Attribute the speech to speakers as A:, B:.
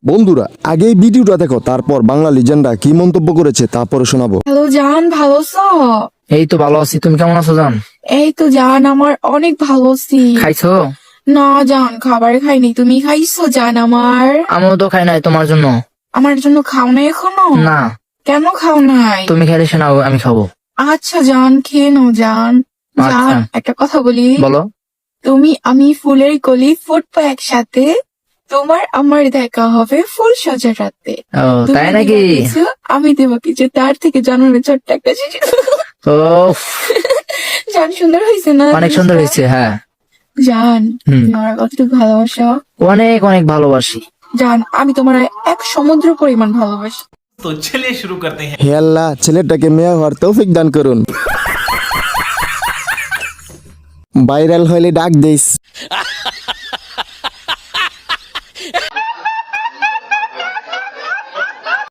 A: বন্ধুরা আগে এই ভিডিওটা দেখো, তারপর বাংলা লিজেন্ডরা কি মন্তব্য করেছে তারপরে শোনাবো।
B: হ্যালো জান, ভালো আছো?
C: এই তো ভালো আছি, তুমি কেমন আছো জান?
B: এই তো জান, আমার অনেক ভালো আছি।
C: খাইছো?
B: না জান, খাবার খাইনি। তুমি খাইছো জান?
C: আমিও তো খাই নাই তোমার জন্য।
B: আমার জন্য খাও নাই এখনো?
C: না,
B: কেন খাও নাই?
C: তুমি খাইলে শোনাও, আমি খাবো।
B: আচ্ছা জান, খেয়ে নাও জান। জান,
C: আচ্ছা।
B: একটা কথা বলি।
C: বলো।
B: তুমি আমি ফুলের কলি ফুটবো একসাথে, তোমার আমার দেখা হবে ফুল সাজা রাতে।
C: ও
B: তুমি
C: তাই নাকি?
B: দিবা কিছু, আমি দেবো কিছু, তার থেকে জানালে ছোট্ট একটা জিনিস।
C: ও
B: জান, সুন্দর হয়েছে না?
C: অনেক সুন্দর হয়েছে। হ্যাঁ
B: জান,
C: হুম।
B: তুমি আমার কতটুকু ভালোবাসো?
C: অনেক অনেক ভালোবাসি।
B: জান, আমি তোমার এক সমুদ্র পরিমাণ ভালোবাসি।
D: तो चलिए शुरू करते हैं।
A: হে আল্লাহ, ছেলেটাকে মেয়ে হওয়ার তৌফিক দান করুন। ভাইরাল হইলে ডাক দিস।